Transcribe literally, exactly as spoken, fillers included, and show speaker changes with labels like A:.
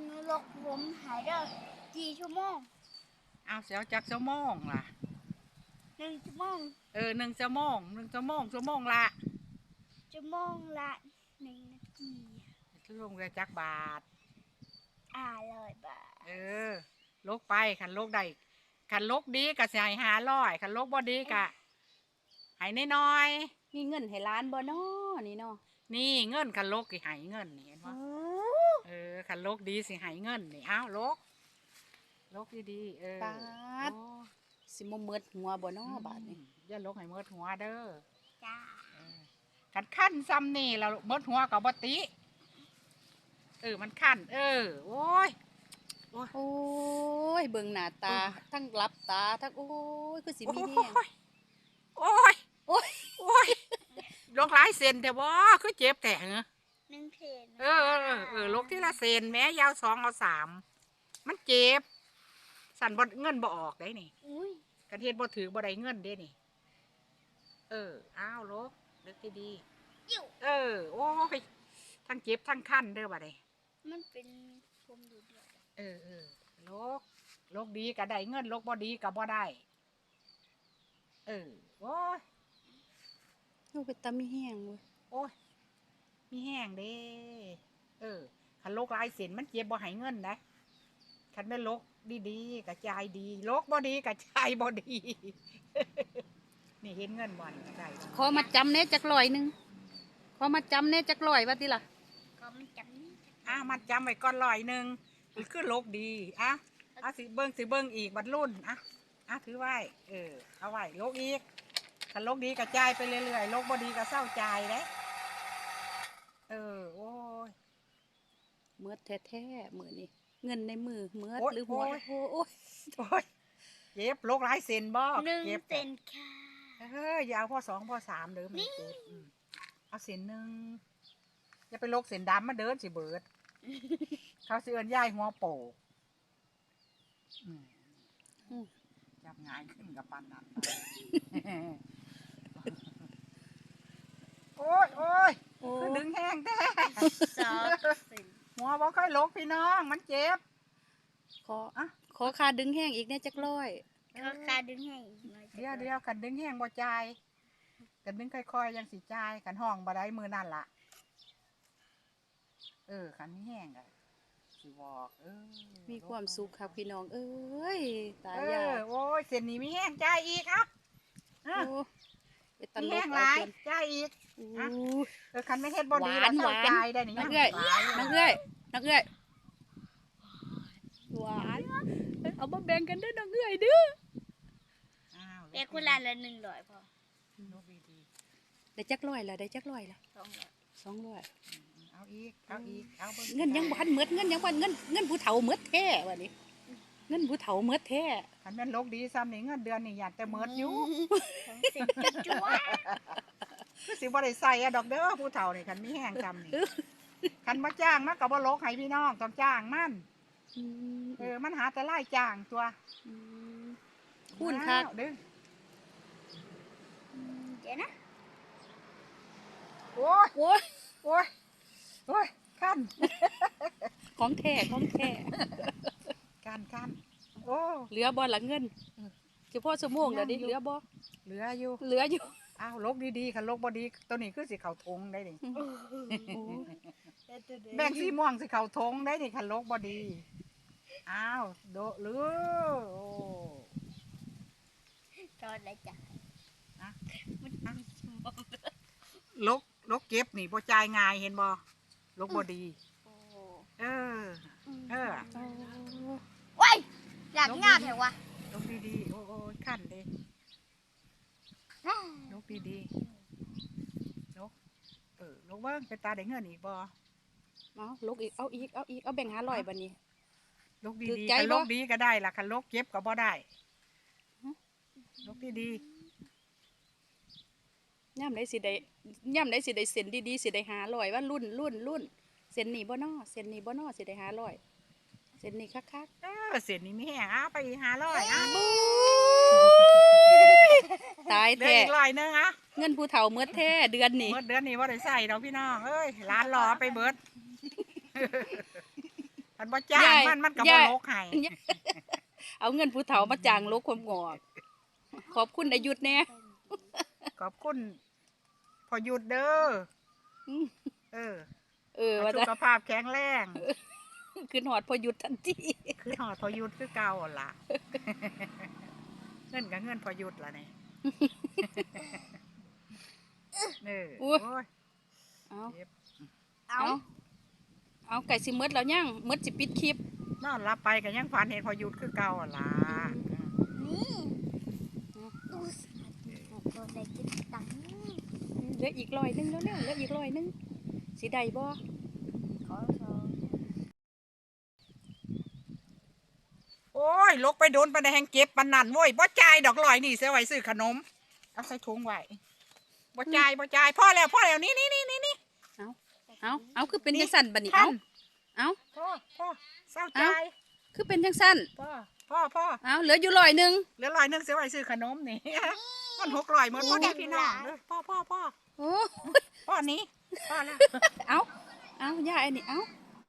A: หนูลกผมหายได้กี่ชั่วโมง
B: เอาเสียวจักชั่วโมงล่ะ
A: หนึ่งชั่วโมง
B: เออหนึ่งชั่วโมงหนึ่งชั่วโมงชั่วโมงละ
A: ชั่วโมงละหนึ่งนาที
B: ชั่วโมงละจักบาท
A: อ่าร้อยบาท
B: เออลกไปขันลกได้ขันลกดีกะสิให้ห้าร้อยขันลกบ่ดีกะให้น้อย
C: มีเงินให้ล้านบ่น้อนี่เนาะ
B: ๆนี่เงินขันลกสิให้เงินนี่เห็นบ่เออขันลกดีสิให้เงินนี่อ้าวลกลกดีๆเออ
C: ปาดสิบ่เมิดหัวบ่น้อบาดนี้
B: อย่าลกให้เมิดหัวเด้อ
A: จ้า
B: ขันขั้นซ้ำนี่เราเมิดหัวกับบ่ติเออมันขั้นเออโอ้ย
C: โอ้ยเบิ่งหน้าตาทั้งหลับตาทั้งโอ้ยคือสิมีแฮง
B: โอ้ยโอ้ยโอ้ยลงหลายเซนแต่ว่าคือเจ็บแต่เหรอ
A: หนึ่งเทน
B: เออเออเออลกที่ละเซนแม้ยาวสองเอาสามมันเจ็บสั่นบ่เงินบ่ออกได้นี่กระเทียนบ่ถือบ่ได้เงินได้นี่เอออ้าวลกเลือกที่ดีเออโอ้ยทั้งเจ็บทั้งขั้นเด้อบ่ได้
A: มันเป็นผมดูเดือด
B: เออเออลกลกดีก็ได้เงินลกบ่ดีก็บ่ได้เออโอ้ย
C: ลูกเป็นตามีแห้งเว้ย
B: โอ้ยมีแห้งเด้เออคันลกลายเส้นมันเจ็บบ่ให้เงินนะคันแม่ลกดีๆกระจายดีลกบ่ดีกระจายบ่ดีนี่เห็นเงินบ่นี่ได้
C: ขอมาจำเน่จักร้อยนึงขอมาจำเน่จักร้อยว่าติล่ะ
A: ก็มันจำ
B: อ่ะมาจำไว้ก่อนร้อยนึงคือลกดีอ่ะอ่ะสิเบิ่งสิเบิ่งอีกบัดรุ่นอ่ะอ่ะถือไว้เออเอาไว้ลกอีกคันลกดีกระจายไปเรื่อยๆลกบ่ดีก็เศร้าใจเด้เออโอ้ย
C: เมื่อแท้ๆมือนี่เงินในมือเมื่อหรือหัวโอ้
B: ยโอ้ยเจ็บลกหลายเซนบ่
A: หนึ่งเซนค่ะ
B: เฮ้ยยาวพอสองพอสามเด้อไม่เจ็บเอาเซนหนึ่งอย่าไปลกเซนดำมาเดินสิเบิดเขาสิเอิ้นย่ายหัวโปกจับง่ายขึ้นกับปานนั้นโอ้ยโอ้ยคือดึงแห้งแท้หัวบ่ค่อยลกพี่น้องมันเจ็บ
C: ขออ่ะขอคาดึงแห้งอีกเนี่ยจักร้อย
A: ขอคาดึงแห้ง
B: เดียวเดียวกันดึงแห้งบ่จ่ายกันดึงค่อยๆยังสิจ่ายกันห้องบ่ได้มือนั่นล่ะเออกันแห้งอ่ะสิบอกเออ
C: มีความสุขครับพี่น้องเอ้ยตายยา
B: โอ้ยเส้นนี้มีแห้งจ่ายอีกอ่ะมีแห้งหลายจ่ายอีกเออคันไม่เฮ็ดบ่ดีแล้วเศร้าใจได้นี่
C: นักเอื้อยนักเอื้อยนักเอื้อยหวานเอามาแบ่งกันด้วยนักเอื้อยเด้อ
A: แต่คนละละหนึ่งร้อยพอ
C: ได้จักร้อยละได้จักร้อยละ
A: สองร้อย
C: สองร้อย
B: เอาอีกเอาอีกเอา
C: เงินยังพันเมือดเงินยังพันเงินเงินผู้เฒ่าเมือดแท้วันนี้เงินผู้เฒ่าเมือดแท้
B: คันแม่นลกดีซ้ำนี่เงินเดือนนี่อยากแต่เมือดอยู่คือสิบ่ได้ใส่อะดอกเด้อผู้เฒ่านี่คันมีแห้งซ้ำนี่คันมาจ้างมันก็บ่ลกให้พี่น้องต้องจ้างมันเออมันหาแต่ไล่จ้างตัว
C: คูณคัก
B: ดึง
A: เดี๋ยวนะ
B: โอ้ยโอ้ยโอ้ยโอ้ยขั้น
C: ของแท้ของแท้
B: การขั้นโอ้
C: เหลือบ่หลังเงินเฉพาะชั่วโมงเดี๋ยวนี้เหลือบ่
B: เหลืออยู่
C: เหลืออยู่
B: อ้าวลกดีๆคันลกบ่ดีตัวนี้คือสิเข่าทงได้ดิแบ่งสีม่วงสิเข่าทงได้ดิคันลกบ่ดีอ้าวโดหรือโอ้
A: ตอนไรจ้ะ
B: ลกลกเก็บนี่บ่จ่ายง่ายเห็นบ่ลกบ่ดีเออเออ
A: ว้ายอยากงาบเหรอวะ
B: ลกดีๆโอ้โอ้ขั้นเด้ลกดีๆลกเออลกเบิ้งเป็นตาได้เงินอีกบ่
C: เอาลกอีกเอาอีกเอาอีกเอาแบ่งหาร้อยบัดนี้
B: ลกดีๆคันลกดีก็ได้ล่ะคันลกเก็บก็บ่ได้ลกดีๆ
C: ย่ำได้สิได้ย่ำได้สิได้เส้นดีๆสิได้หาร้อยว่ารุ่นรุ่นรุ่นเส้นนี้บ่นอเส้นนี้บ่นอสิได้หาร้อยเส้นนี้คัก
B: ๆเออเส้นนี้มีแห้งเอาไปหาร้อยอ่ะ
C: ตายแท้
B: อีกร้อยนึงอ่ะ
C: เงินผู้เฒ่าเมื่อแท้เดือนนี้
B: เมื่อเดือนนี้ว่าได้ใส่ดอกพี่น้องเอ้ยร้านรอไปเบิดคันบ่จ้าง
C: ยาย
B: มันมันก็
C: ยา
B: บ่
C: ย
B: ลกให้
C: เอาเงินผู้เฒ่ามาจ้างลกความงอก ขอบคุณอายุทธแน่
B: ขอบคุณพอหยุดเด้อ
C: อืม
B: เออ
C: เออ
B: ให้
C: ว่า
B: สุ
C: จะ
B: ขภาพแข็งแรง
C: ขึ้นหอดพอหยุดทันที
B: คือหอดพอหยุดคือเก่าหั่นล่ะ เงินกับเงินพอหยุดล่ะนี่ เออ
C: อุ๊
B: โอ้
C: ย
B: ย
C: เอา
B: เจ็บ
A: เอา
C: เอาเอาไก่สิหมดแล้วยังหมดสิปิดคลิป
B: นอนหลับไปก็ยังฝันเห็นพอหยุดคือเก่าหั่นล่ะ
A: นี่ดูสิโดนได้กินตังค์
C: เหลืออีกร้อยหนึงแล้วเนี่ยเหลืออีกร้อยหนึงสิได้บ่
A: ขอสอง
B: โอ้ยลกไปโดนไปในแหงเก็บปานนั่นโว้ยบ่จ่ายดอกลอยนี่เสียไว้ซื้อขนมเอาใส่ถุงไว้บ่จ่ายบ่จ่ายพ่อแล้วพ่อแล้วนี่นี่นี่นี่นี่
C: เอาเอาคือเป็นจังสั่นบัดนี้
B: ท่า
C: เอา
B: น
C: เอา
B: พ่อพ่อเศร้า
C: เอ้า
B: จ่าย
C: คือเป็นจังสั่น
B: พ่อพ่อพ่อ
C: เอาเหลืออยู่ร้อยหนึง
B: เหลือร้อยหนึงเสียไว้ซื้อขนมนี่ มันหกร้อยหมดพ่อแม่พี่น้องเด้อพ่อพ่อพ่อ
C: โอ้
B: พ่อนี้พ่อแล้ว
C: เอาเอาย่าไอ้นี่เอา